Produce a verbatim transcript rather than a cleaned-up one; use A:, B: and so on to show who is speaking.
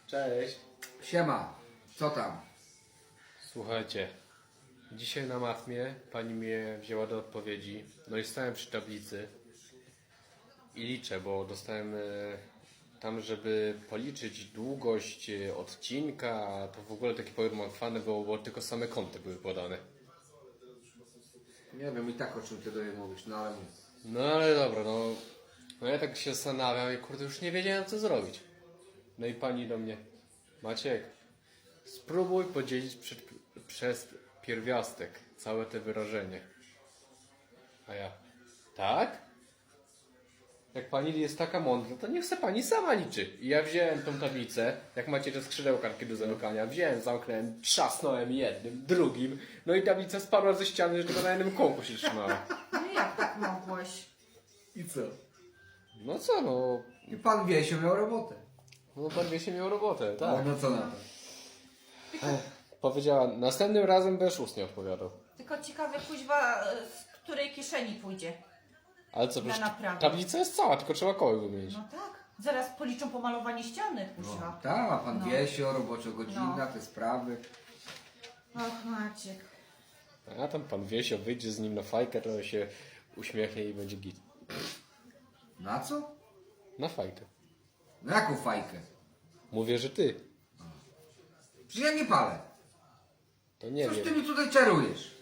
A: Cześć.
B: Siema, co tam?
A: Słuchajcie, dzisiaj na matmie pani mnie wzięła do odpowiedzi. No i stałem przy tablicy i liczę, bo dostałem e, tam, żeby policzyć długość e, odcinka, a to w ogóle takie pogmatwane było, bo tylko same kąty były podane.
B: Nie wiem i tak o czym ty do niej mówisz, no ale mów.
A: No ale dobra, no, no ja tak się zastanawiam i kurde już nie wiedziałem co zrobić. No i pani do mnie, Maciek, spróbuj podzielić przed, przez pierwiastek całe te wyrażenie. A ja, tak? Jak pani jest taka mądra, to niech se pani sama liczy. I ja wziąłem tą tablicę, jak macie te skrzydełkarki do zamykania, wziąłem, zamknąłem, trzasnąłem jednym, drugim, no i tablica spadła ze ściany, że tylko na jednym kołku się trzymała.
C: No jak tak mogłeś?
B: I co?
A: No co, no,
B: I pan Wiesio miał robotę.
A: no pan wie się miał robotę,
B: Tak.
A: tak.
B: No co na to?
A: Powiedziała, następnym razem będziesz ustnie odpowiadał.
C: Tylko ciekawe, kuźwa, z której kieszeni pójdzie.
A: Ale co,
C: Na
A: przecież
C: naprawę.
A: tablica jest cała, tylko trzeba koły wymienić.
C: No tak. Zaraz policzą pomalowanie ściany, kuźwa.
B: Tak, a pan
C: No.
B: Wiesio, roboczo godzina,
C: No.
B: te sprawy.
C: Och, Maciek.
A: A tam pan Wiesio wyjdzie z nim na fajkę, to się uśmiechnie i będzie git.
B: Na co?
A: Na fajkę.
B: Na jaką fajkę?
A: Mówię, że ty.
B: Przecież ja nie palę.
A: To nie
B: Coś ty
A: wiem.
B: mi tutaj czarujesz?